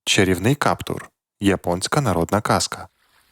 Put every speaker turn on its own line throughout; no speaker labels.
Чарівний каптур. Японська народна казка.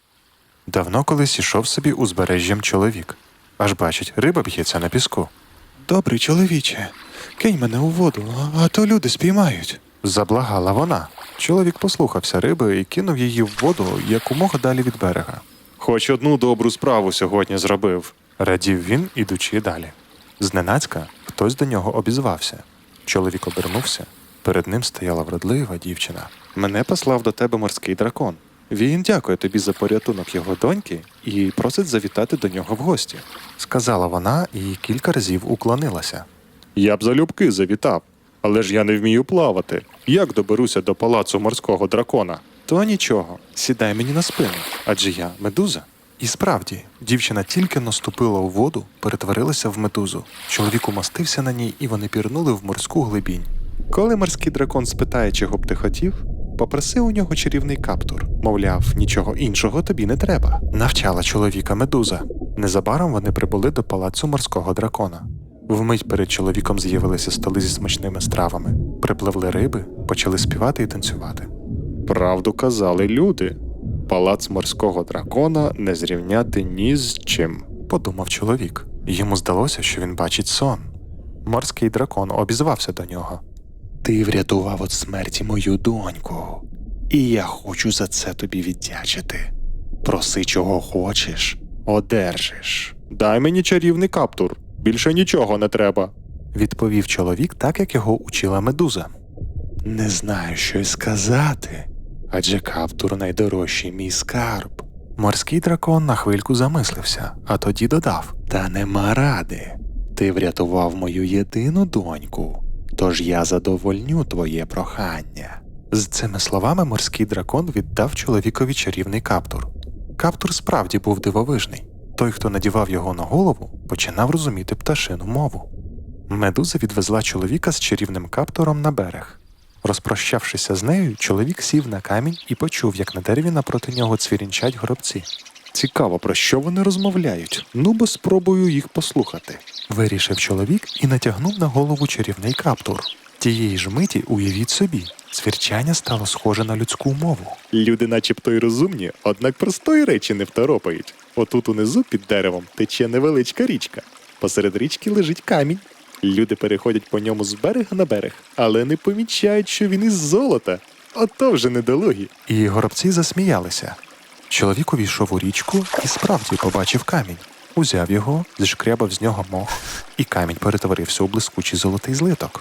Давно колись ішов собі узбережжям чоловік. Аж бачить, риба б'ється на піску.
«Добрий чоловіче, кинь мене у воду, а то люди спіймають».
Заблагала вона. Чоловік послухався риби і кинув її в воду якомога далі від берега. «Хоч одну добру справу сьогодні зробив», – радів він, ідучи далі. Зненацька хтось до нього обізвався. Чоловік обернувся. Перед ним стояла вродлива дівчина. «Мене послав до тебе морський дракон. Він дякує тобі за порятунок його доньки і просить завітати до нього в гості», – сказала вона і кілька разів уклонилася. «Я б залюбки завітав, але ж я не вмію плавати. Як доберуся до палацу морського дракона?» «То нічого, сідай мені на спину, адже я медуза». І справді, дівчина тільки наступила у воду, перетворилася в медузу. Чоловік умостився на ній, і вони пірнули в морську глибінь. Коли морський дракон спитає, чого б ти хотів, попроси у нього чарівний каптур. Мовляв, нічого іншого тобі не треба. Навчала чоловіка медуза. Незабаром вони прибули до палацу морського дракона. Вмить перед чоловіком з'явилися столи зі смачними стравами. Припливли риби, почали співати і танцювати. Правду казали люди. Палац морського дракона не зрівняти ні з чим, подумав чоловік. Йому здалося, що він бачить сон. Морський дракон обізвався до нього.
«Ти врятував від смерті мою доньку, і я хочу за це тобі віддячити. Проси, чого хочеш, одержиш».
«Дай мені чарівний каптур, більше нічого не треба», – відповів чоловік так, як його учила медуза.
«Не знаю, що й сказати, адже каптур найдорожчий мій скарб».
Морський дракон на хвильку замислився, а тоді додав.
«Та нема ради. Ти врятував мою єдину доньку, тож я задовольню твоє прохання».
З цими словами морський дракон віддав чоловікові чарівний каптур. Каптур справді був дивовижний. Той, хто надівав його на голову, починав розуміти пташину мову. Медуза відвезла чоловіка з чарівним каптуром на берег. Розпрощавшися з нею, чоловік сів на камінь і почув, як на дереві напроти нього цвірінчать горобці. «Цікаво, про що вони розмовляють? Ну, бо спробую їх послухати», – вирішив чоловік і натягнув на голову чарівний каптур. Тієї ж миті, уявіть собі, цвірчання стало схоже на людську мову. «Люди начебто й розумні, однак простої речі не второпають. Отут унизу під деревом тече невеличка річка. Посеред річки лежить камінь. Люди переходять по ньому з берега на берег, але не помічають, що він із золота. Ото вже недолугі». І горобці засміялися. Чоловік увійшов у річку і справді побачив камінь. Узяв його, зшкрябав з нього мох, і камінь перетворився у блискучий золотий злиток.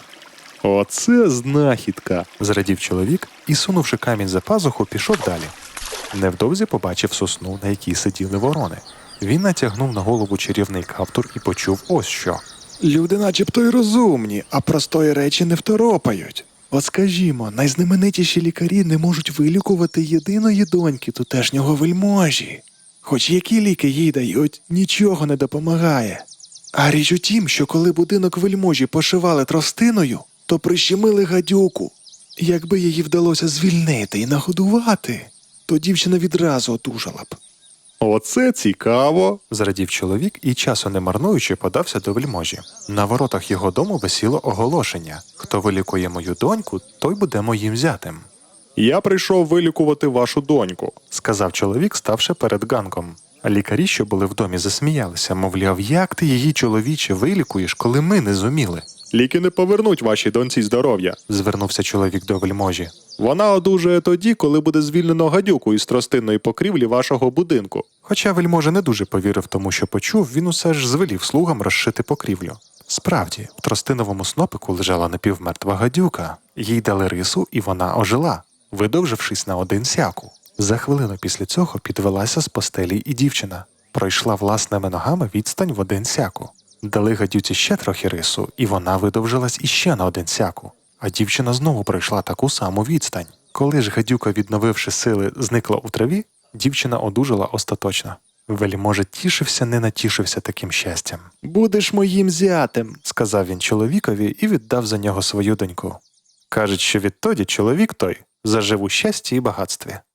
«Оце знахідка!» – зрадів чоловік і, сунувши камінь за пазуху, пішов далі. Невдовзі побачив сосну, на якій сиділи ворони. Він натягнув на голову чарівний каптур і почув ось що.
«Люди начебто й розумні, а простої речі не второпають. От скажімо, найзнаменитіші лікарі не можуть вилікувати єдиної доньки тутешнього вельможі. Хоч які ліки їй дають, нічого не допомагає. А річ у тім, що коли будинок вельможі пошивали тростиною, то прищемили гадюку. Якби її вдалося звільнити і нагодувати, то дівчина відразу одужала б».
«Оце цікаво!» – зрадів чоловік і, часу не марнуючи, подався до вельможі. На воротах його дому висіло оголошення. «Хто вилікує мою доньку, той буде моїм зятем». «Я прийшов вилікувати вашу доньку», – сказав чоловік, ставши перед ганком. А лікарі, що були в домі, засміялися, мовляв, як ти її, чоловіче, вилікуєш, коли ми не зуміли? «Ліки не повернуть вашій доньці здоров'я», – звернувся чоловік до вельможі. «Вона одужає тоді, коли буде звільнено гадюку із тростинної покрівлі вашого будинку». Хоча вельможа не дуже повірив тому, що почув, він усе ж звелів слугам розшити покрівлю. Справді, в тростиновому снопику лежала напівмертва гадюка. Їй дали рису, і вона ожила, видовжившись на один сяку. За хвилину після цього підвелася з постелі і дівчина. Пройшла власними ногами відстань в один сяку. Дали гадюці ще трохи рису, і вона видовжилась іще на один сяку. А дівчина знову пройшла таку саму відстань. Коли ж гадюка, відновивши сили, зникла у траві, дівчина одужала остаточно. Вельможа тішився, не натішився таким щастям. «Будеш моїм зятем», – сказав він чоловікові і віддав за нього свою доньку. Кажуть, що відтоді чоловік той зажив у щасті і багатстві.